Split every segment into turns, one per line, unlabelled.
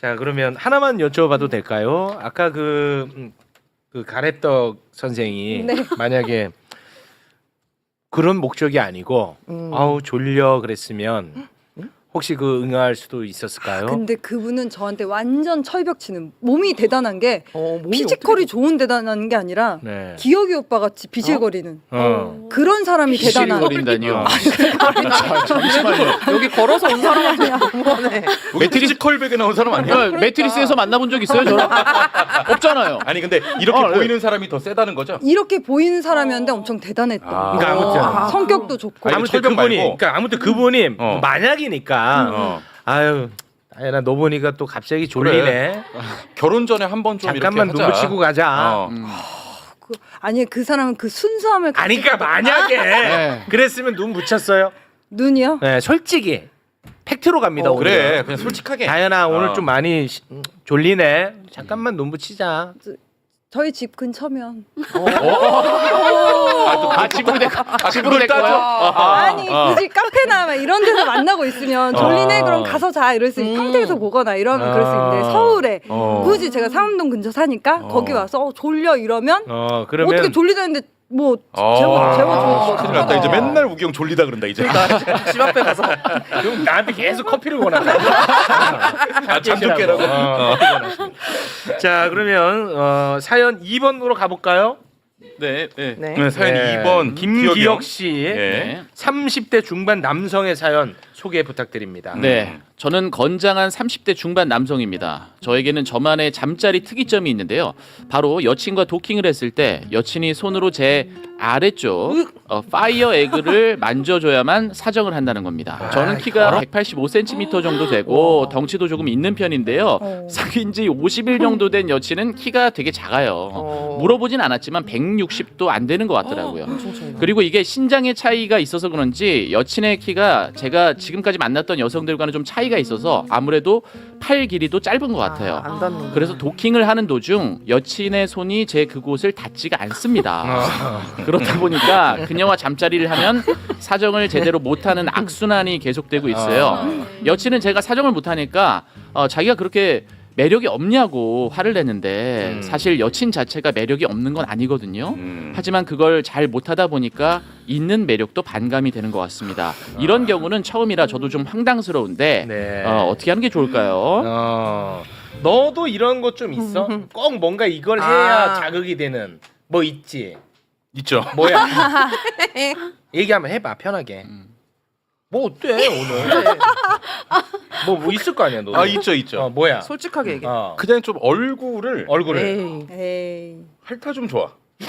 자 그러면 하나만 여쭤봐도 될까요? 아까 그 가래떡 선생이
네.
만약에 그런 목적이 아니고 아우 졸려 그랬으면 혹시 그 응할 수도 있었을까요?
근데 그분은 저한테 완전 철벽치는 몸이 대단한 게
몸이
피지컬이 좋은 대단한 게 아니라
네.
기혁이 오빠 같이 비실거리는
어.
그런 사람이 대단한.
비실거린다니요.
잠시만요. 여기 걸어서 온 사람한테 너무하네.
매트리스 컬백에 나온 사람 아니야?
매트리스에서 만나본 적 있어요, 저랑? 없잖아요.
아니 근데 이렇게 보이는 사람이 더 세다는 거죠?
이렇게 보이는 사람이었는데 엄청 대단했던.
그러니까 아무튼
성격도 좋고.
아니,
아무튼
철벽
그분이
말고.
그러니까 아무튼 그분이
어.
만약이니까 아유 나연아 너 보니까 또 갑자기 졸리네.
결혼 전에 한 번 좀
잠깐만
이렇게
눈
하자.
붙이고 가자.
어.
아니 그 사람은 그 순수함을
아니 그러니까 만약에
네.
그랬으면 눈 붙였어요.
눈이요?
네, 솔직히 팩트로 갑니다. 오늘.
그래 그냥 솔직하게.
다현아 오늘
어.
좀 많이 졸리네. 잠깐만 눈 붙이자.
저희 집 근처면.
집으로
그걸
될
따져?
거야?
아니 굳이 카페나 막 이런 데서 만나고 있으면 졸리네 그럼 가서 자 이럴 수 있고 평택에서 보거나 이러면 그럴 수 있는데 서울에 굳이 제가 상암동 근처 사니까 거기 와서 졸려 이러면
그러면
어떻게 졸리다는데 뭐 제가
큰일 났다. 이제 맨날 우기 형 졸리다 그런다 이제.
집 앞에 가서
그럼 나한테 계속 커피를 권한다.
잠좀 깨라고.
자 그러면 사연 2번으로 가볼까요?
네.
네, 사연
네.
2번
김기혁 씨
네.
30대 중반 남성의 사연 소개 부탁드립니다.
네. 저는 건장한 30대 중반 남성입니다. 저에게는 저만의 잠자리 특이점이 있는데요. 바로 여친과 도킹을 했을 때 여친이 손으로 제 아래쪽 파이어 에그를 만져줘야만 사정을 한다는 겁니다. 저는 키가 185cm 정도 되고 덩치도 조금 있는 편인데요. 사귄 지 50일 정도 된 여친은 키가 되게 작아요. 물어보진 않았지만 160도 안 되는 것 같더라고요. 그리고 이게 신장의 차이가 있어서 그런지 여친의 키가 제가 지금까지 만났던 여성들과는 좀 차이가 있어서 아무래도 팔 길이도 짧은 것 같아요.
안 닿는.
그래서 도킹을 하는 도중 여친의 손이 제 그곳을 닿지가 않습니다. 그렇다 보니까 그녀와 잠자리를 하면 사정을 제대로 못하는 악순환이 계속되고 있어요. 여친은 제가 사정을 못하니까 자기가 그렇게 매력이 없냐고 화를 내는데 사실 여친 자체가 매력이 없는 건 아니거든요. 하지만 그걸 잘 못하다 보니까 있는 매력도 반감이 되는 것 같습니다. 이런 경우는 처음이라 저도 좀 황당스러운데
네.
어떻게 하는 게 좋을까요?
너도 이런 것 좀 있어? 꼭 뭔가 이걸 해야 자극이 되는 뭐 있지?
있죠.
뭐야? 얘기 한번 해봐 편하게. 뭐 어때 오늘? 뭐 있을 거 아니야 너?
있죠.
뭐야?
솔직하게 얘기해.
그냥 좀 얼굴을
얼굴을.
에이.
핥아 좀 좋아.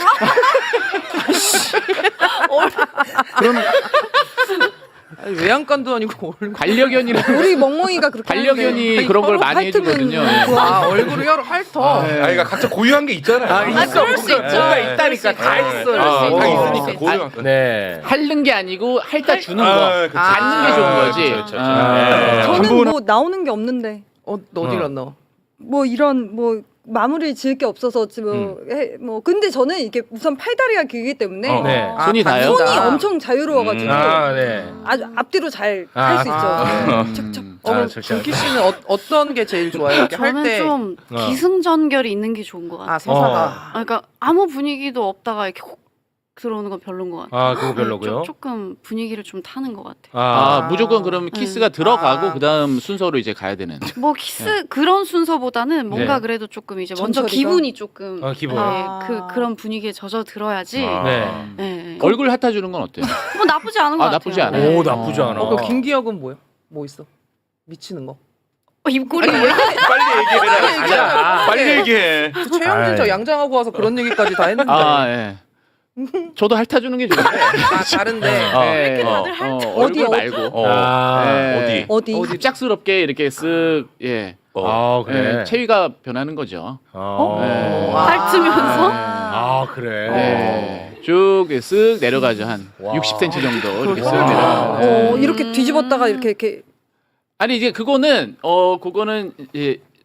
외양간도 아니고 얼굴.
반려견이랑
우리 멍멍이가 그렇게
반려견이
하는데.
그런 걸
서로
많이
핥으면
해주거든요.
아 얼굴을 혀로 핥어.
그러니까 각자 고유한 게 있잖아요.
그럴 수 있죠. 뭔가 있다니까 다 있어.
다
있으니까.
있으니까 고유한 거.
네.
핥는 게 아니고 핥아 주는 거.
그치.
닿는 게 좋은 거지.
그쵸.
아.
저는 뭐 나오는 게 없는데
너 어디 갔나?
뭐 이런 뭐 마무리 지을 게 없어서 뭐 근데 저는 이게 우선 팔다리가 길기 때문에
네.
손이 닿아요?
손이 엄청 자유로워가지고
네.
아주 앞뒤로 잘 할 수 있죠. 척척.
그럼 준키 씨는 어떤 게 제일 좋아요? 이렇게 할
저는
때.
좀 기승전결이 있는 게 좋은 것 같아요.
세사가.
그러니까 아무 분위기도 없다가 이렇게 콕 들어오는 건 별로인 것 같아요.
그거 별로고요.
조금 분위기를 좀 타는 것 같아요.
무조건 그럼 키스가 들어가고 그다음 순서로 이제 가야 되는.
뭐 키스 그런 순서보다는 뭔가
네.
그래도 조금 이제 먼저
전처리가?
기분이 조금
기분.
그런 분위기에 젖어 들어야지.
네.
네.
얼굴 핥아 주는 건 어때요?
뭐 나쁘지 않은 것 같아요.
나쁘지 않아요.
네.
오 나쁘지 않아.
그 김기혁은 뭐야? 뭐 있어? 미치는 거.
입꼬리
빨리 얘기해라. 빨리 얘기해.
최영진 저
아이.
양장하고 와서 그런 얘기까지 다 했는데.
예. 저도 핥아 주는 게 좋은데.
다른데.
네.
다들 핥아?
얼굴
어디?
말고.
네.
어디?
어디?
갑작스럽게 이렇게 쓱 예.
그래.
체위가 변하는 거죠.
네.
핥으면서?
그래.
네. 쭉 쓱 내려가죠. 한 60cm 정도 이렇게 쓱 내려가요.
이렇게 뒤집었다가 이렇게
아니 이제 그거는 그거는 이제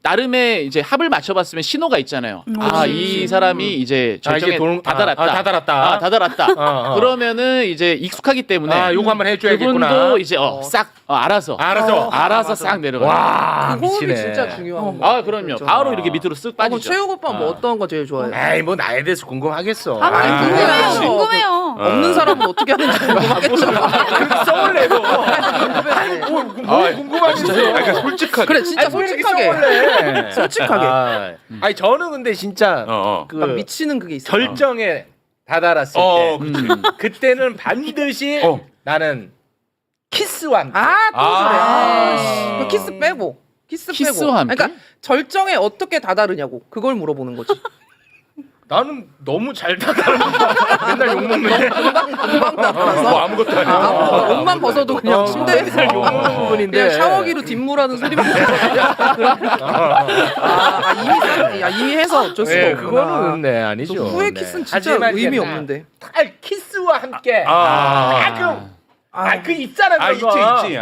나름의 이제 합을 맞춰봤으면 신호가 있잖아요. 아, 이 사람이 이제 절정에 다다랐다.
다다랐다.
다다랐다. 그러면은 이제 익숙하기 때문에
아, 요거 한번 해줘야겠구나.
그분도 이제 싹 알아서
알아서
싹 내려가.
와,
그 호흡이
미치네.
진짜 중요한 거.
아, 그럼요. 바로 이렇게 밑으로 쓱
그럼
빠지죠.
최욱 오빠 뭐 어떤 거 제일 좋아해요?
에이, 뭐 나에 대해서 궁금하겠어.
궁금해요.
그렇죠.
궁금해요.
없는 사람은 어떻게 하는지 궁금하겠죠.
썩을 내고. 뭐 궁금하지?
그러니까 솔직하게.
그래 진짜 솔직하게. 솔직하게.
아니 저는 근데 진짜 그
막 미치는 그게 있어.
결정에 다다랐을 때 그때는 반드시 나는 키스와 함께.
또 그래. 그 키스 빼고. 키스 빼고.
키스와 함께?
그러니까 절정에 어떻게 다다르냐고. 그걸 물어보는 거지.
나는 너무 잘 다다른다. 맨날 욕먹는데.
금방 다다라서.
뭐 아무것도 아니야.
옷만 벗어도 그냥 침대에
맨날 욕먹는 부분인데.
그냥 샤워기로 뒷물하는 소리만 이미 해서 어쩔 수가
네,
없구나.
그거는 네 아니죠.
또 후회
네.
키스는 진짜
하지만
의미
이제
없는데.
딱 키스와 함께. 그 있잖아.
아,
그거.
있지.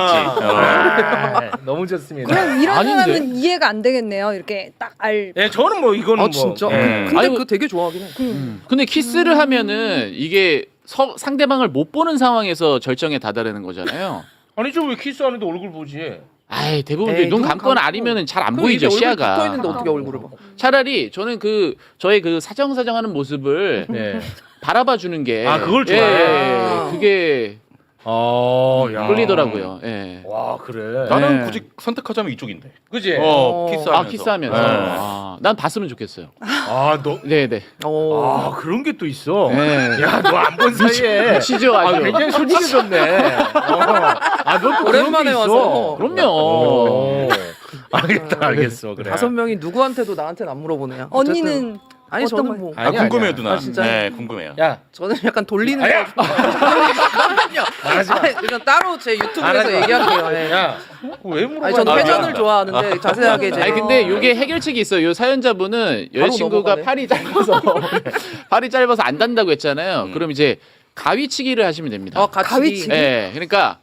너무 좋습니다.
그럼 이런
아닌데?
사람은 이해가 안 되겠네요. 이렇게 딱 알.
예, 저는 뭐 이거는 뭐.
진짜?
예.
근데
아니,
그거 되게 좋아하긴 해.
근데 키스를 하면은 이게 상대방을 못 보는 상황에서 절정에 다다르는 거잖아요.
아니죠, 왜 키스하는데 얼굴 보지?
아이, 대부분
에이,
눈
눈
감거나
감고.
아니면은 잘 안
그럼
보이죠,
이게 얼굴
시야가.
붙어 있는데 어떻게 얼굴을 봐?
차라리 저는 저의 그 사정사정하는 모습을
네.
바라봐 주는 게
그걸
예,
좋아해요.
그게
야.
끌리더라고요. 예.
와, 그래.
나는
네.
굳이 선택하자면 이쪽인데.
그지?
키스하면서.
아, 키스하면서.
네.
난 봤으면 좋겠어요.
너.
네, 네.
그런 게 또 있어.
네.
야, 너 안 본 사이에.
치죠, 아주.
굉장히 솔직해졌네. 너
오랜만에 와서.
그럼요.
알겠어. 그래.
5명이 누구한테도 나한테는 안 물어보네요.
언니는
아니
어떤
저는 뭐
아니야,
궁금해요,
아니야.
누나.
아, 진짜요?
네, 궁금해요.
야,
저는 약간 돌리는
아니야.
거. 잠깐만요. 아니, 이건 따로 제 유튜브에서 얘기할게요. 예.
야, 왜 물어봐?
아니 저는 회전을
미안하다.
좋아하는데 자세하게 이제.
아니 근데 요게 해결책이 있어요. 요 사연자분은 여자친구가
넘어가네.
팔이 짧아서 안 단다고 했잖아요. 그럼 이제 가위치기를 하시면 됩니다.
같이.
가위치기?
예. 그러니까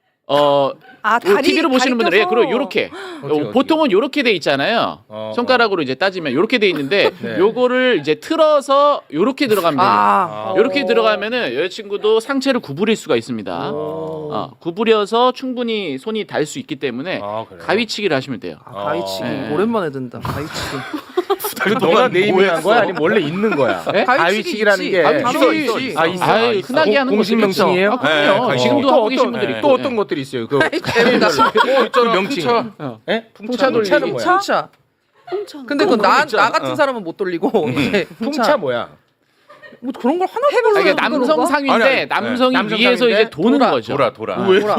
다리
TV로 보시는 분들은
껴서.
그리고 요렇게
어떻게?
보통은 요렇게 돼 있잖아요. 손가락으로 이제 따지면 요렇게 돼 있는데
네.
요거를 이제 틀어서 요렇게 들어가면 돼요. 요렇게
오.
들어가면은 여자친구도 상체를 구부릴 수가 있습니다. 구부려서 충분히 손이 닿을 수 있기 때문에
그래.
가위치기를 하시면 돼요.
가위치기
네.
오랜만에 듣는다. 가위치기.
그 너가 네이밍한 거야? 아니면 원래 있는 거야?
네?
가위치기라는 게
가위치기
있어.
있어.
흔하게 하는
공식
것들이 있죠.
명칭이에요?
그럼요.
네,
지금도
또
하고 계신 분들이
또
있고.
어떤 것들이 있어요? 그
재밌다.
그 명칭. 예?
풍차 돌리기.
풍차는 뭐야?
풍차. 근데 그건 나 같은 사람은 못 돌리고 이제
풍차 뭐야?
뭐 그런 걸 하나
해봤어요.
아니, 그러니까 남성
그런 거?
상위인데
아니,
남성이
남성
위에서
상위인데
이제 도는 거죠.
돌아.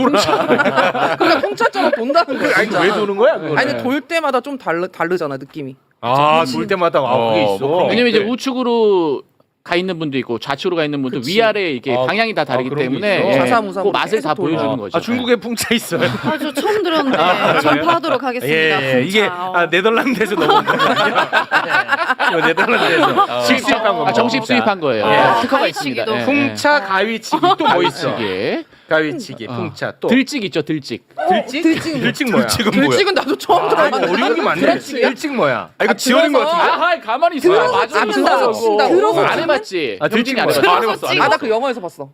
그러니까 풍차처럼 돈다는 거야.
아니,
진짜.
왜 도는 거야? 그거는?
아니 근데 돌 때마다 좀 다르잖아 느낌이.
돌 때마다 그게 있어.
뭐
왜냐면 이제
네.
우측으로 가 있는 분도 있고 좌측으로 가 있는 분도
그치.
위아래 이게 방향이 다 다르기
그런 게
때문에
있어?
예,
좌사무사
그 맛을
계속
다
돌려.
보여주는 거죠.
중국에 풍차 있어요.
저 처음 들었는데 전파하도록 하겠습니다.
예, 이게 네덜란드에서 넘어온 거예요. 네덜란드에서 실수입한 거.
정식 수입한 거예요.
예.
특허가 있습니다.
가위치기도.
예.
풍차, 가위치기 또 뭐 있어?
가위치기.
가위치기, 풍차 또
들찍 있죠, 들찍.
들찍? 들찍 뭐야?
지금 뭐야?
들찍은 나도 처음 들어봤는데.
어려운 게 많네.
들찍이야?
들찍 뭐야?
이거 지원인 것 같은데.
하이 가만히 있어.
들어서
친다고.
들어서
안 해봤지.
아, 들찍
병진이 안
뭐야?
해봤지.
안 해봤어.
나 그 영화에서 봤어.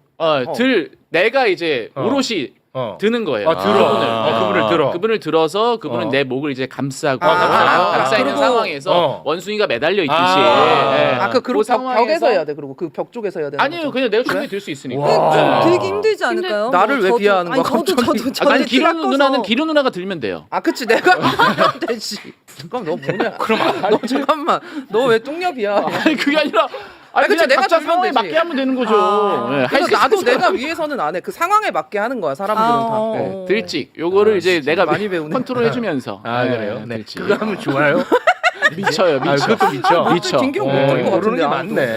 내가 이제
어.
오롯이
어.
드는 거예요.
들어. 그분을 들어.
그분을 들어서 그분은
어.
내 목을 이제 감싸고
감싸고.
감싸 있는
그리고-
상황에서 원숭이가 매달려 있듯이.
그리고 벽에서 해야 돼. 그리고 그 벽 쪽에서 해야 돼.
아니요, 그냥 내가 충분히 들 수 있으니까.
와.
들기 힘들지 않을까요?
나를 왜
저도-
비하하는 거야,
아니, 저도
갑자기?
저도
아니 기루
깎아서.
누나는 기루 누나가 들면 돼요.
그치 내가 되지. 잠깐 너 뭐냐? 너 잠깐만. 너 왜 뚱녀비야?
아니 그게 아니라
그치,
그냥
내가
각자
들면
상황에
되지.
맞게 하면 되는 거죠. 예, 할
그래서
수
나도
있어요.
내가 위에서는 안 해. 그 상황에 맞게 하는 거야. 사람들은 다.
네, 들찍 요거를 이제 내가
많이 배우네.
컨트롤 해주면서.
그래요? 네.
들찍.
그거 하면 좋아요?
미쳐요, 미쳐.
그것도 미쳐.
미쳐.
김경
어,
모르는 것
모르는 게
같은데,
많네.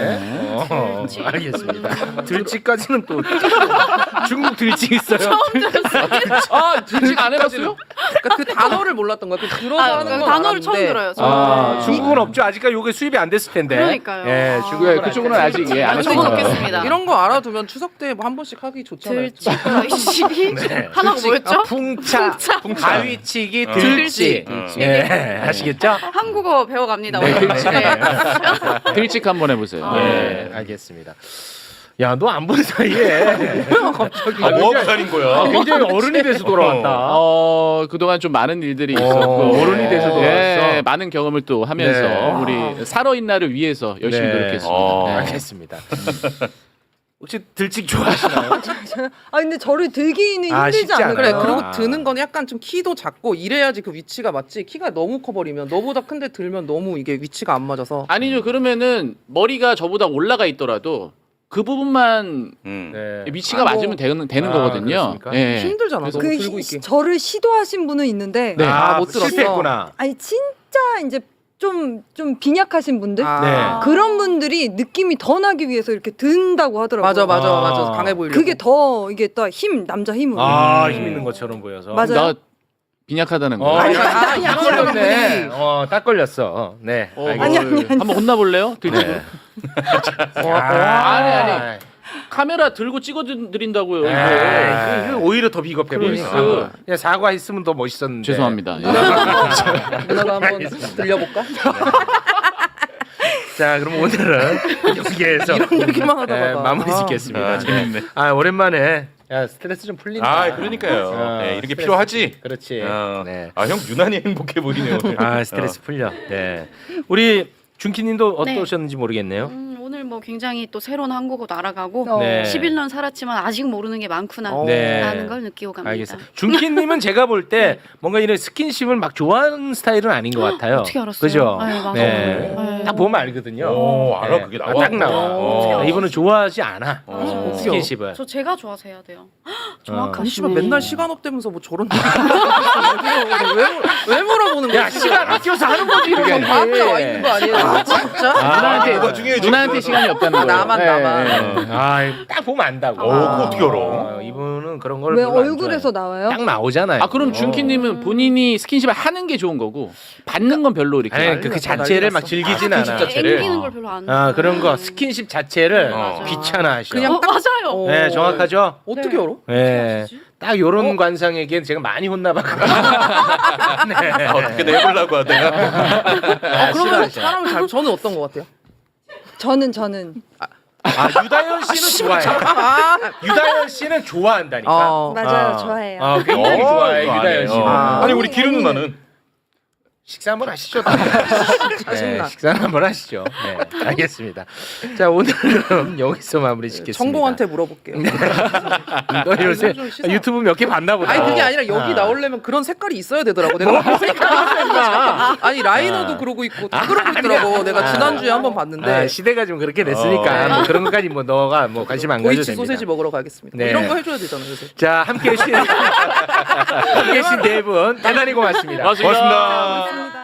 알겠습니다. 들쥐까지는 또 중국 들쥐 있어요.
아 들직 안 해봤어요?
그러니까 그 단어를 몰랐던 거야. 그 들어서
아,
하는 건
단어를 처음
알았는데.
들어요.
중국은 없죠. 아직까지 요게 수입이 안 됐을 텐데.
그러니까요.
예,
아.
중국은
그쪽은 아직 예, 안 했어요.
적어놓겠습니다.
이런 거 알아두면 추석 때 뭐 한 번씩 하기 좋잖아요.
들쥐
네.
하나가 뭐였죠?
풍차, 바위치기,
어.
들쥐.
들쥐.
예, 아시겠죠?
한국어 배워갑니다.
네.
오늘. 네.
들직 한번 해보세요.
예, 알겠습니다. 야, 너 안 본 사이에
갑자기.
아, 뭐하고 다닌 거야?
굉장히 어른이 돼서 돌아왔다.
그동안 좀 많은 일들이
어,
있었고
어른이 돼서 돌아왔어.
예, 많은 경험을 또 하면서
네.
우리 살아있나를 위해서 열심히
네.
노력했습니다. 네.
알겠습니다. 혹시 들찍 좋아하시나요?
아 근데 저를 들기는 힘들지
쉽지
않을까요?
그래
아.
그리고 드는 건 약간 좀 키도 작고 이래야지 그 위치가 맞지. 키가 너무 커버리면 너보다 큰데 들면 너무 이게 위치가 안 맞아서.
아니죠. 그러면은 머리가 저보다 올라가 있더라도 그 부분만
네.
위치가
아, 뭐.
맞으면 되는
아,
거거든요.
그렇습니까?
예.
힘들잖아.
그래서
너무
그
들고 있기.
저를 시도하신 분은 있는데
네.
아,
못 들었어.
실패했구나.
아니 진짜 이제 좀 빈약하신 분들
아.
그런 분들이 느낌이 더 나기 위해서 이렇게 든다고 하더라고요.
맞아 맞아
아.
맞아 강해 보이려고.
그게 더 이게 또 힘 남자 힘으로.
힘 있는 것처럼 보여서.
맞아요.
나 빈약하다는 거.
딱
이런
걸렸네. 딱 걸렸어. 네.
아니, 아니.
한번 혼나볼래요?
네.
아니. 카메라 들고 찍어드린다고요. 이거.
이거 오히려 더 비겁해 보이네.
그러니까.
그냥 사과했으면 더 멋있었는데.
죄송합니다. 예.
누나가 한번 들려볼까?
자, 그럼 오늘은 여기에서
이런 얘기만 하다가
네, 마무리 짓겠습니다.
아, 재밌네.
오랜만에 야 스트레스 좀 풀린다.
아, 그러니까요. 네, 이렇게 필요하지.
그렇지.
어.
네.
아, 형 유난히 행복해 보이네요. 오늘.
스트레스 풀려. 네. 우리 준키님도
네.
어떠셨는지 모르겠네요.
오늘 뭐 굉장히 또 새로운 한국어도 알아가고
네.
11년 살았지만 아직 모르는 게 많구나
네.
라는 걸 느끼고 갑니다.
알겠어요. 준키님은 제가 볼 때 뭔가 이런 스킨십을 막 좋아하는 스타일은 아닌 것 같아요.
어떻게 알았어요?
그죠?
네, 맞아요.
네.
네.
딱 보면 알거든요.
오, 알아. 그게 나와?
딱 나와.
오.
이분은 좋아하지 않아.
오.
스킨십을.
저 제가 좋아서 해야 돼요.
어.
아니 씨발
정확하시네.
맨날 시간 없대면서 뭐 저런 왜 물어보는 거야?
야, 시간 아껴서 하는 거지. 이게.
과학자 와 있는 거 아니에요? 진짜?
누나한테
뭐가 중요해, 지금?
누나한테 시간이 없다는 거예요.
나만.
딱 보면 안다고.
그거 어떻게 알아?
이분은 그런 걸
왜
별로 안
얼굴에서
좋아해.
나와요?
딱 나오잖아요.
아 그럼 준키님은 본인이 스킨십을 하는 게 좋은 거고 받는 건 별로 이렇게.
아니, 그 자체를 막 즐기진 않아.
자체를?
앵기는 걸 별로 안
그런 거 스킨십 자체를
어.
귀찮아하셔.
그냥
맞아요.
네, 정확하죠.
어떻게 알아?
네. 딱 요런 관상에겐 제가 많이 혼나봤거든요. 네.
어떻게든 해보려고 하다가.
그러면
싫어하죠.
사람을 잘 저는 어떤 거 같아요?
저는
유다현 씨는 좋아해. 유다현 씨는 좋아한다니까.
맞아요. 좋아해요.
굉장히
어,
좋아해
이거 안
유다현
해.
씨는.
아니 우리 기름 누나는
식사 한번 하시죠.
짜증나.
식사 한번 하시죠. 네, 알겠습니다. 자, 오늘은 여기서 마무리 짓겠습니다.
정봉한테 물어볼게요.
너 요새
좀 씻어.
유튜브 몇 개 봤나 보다.
아니 그게 아니라 여기 나오려면 그런 색깔이 있어야 되더라고. 내가 아니 라이너도 그러고 있고 다 그러고 있더라고. 내가 지난주에 한번 봤는데
시대가 좀 그렇게 됐으니까 뭐 그런 것까지 뭐 너가 뭐 관심 안 가져도
도이치
됩니다.
소세지 먹으러 가겠습니다.
네.
이런 거 해줘야 되잖아 요새.
자, 함께 해주신 네 분 대단히 고맙습니다.
고맙습니다.
고맙습니다.
감사합니다.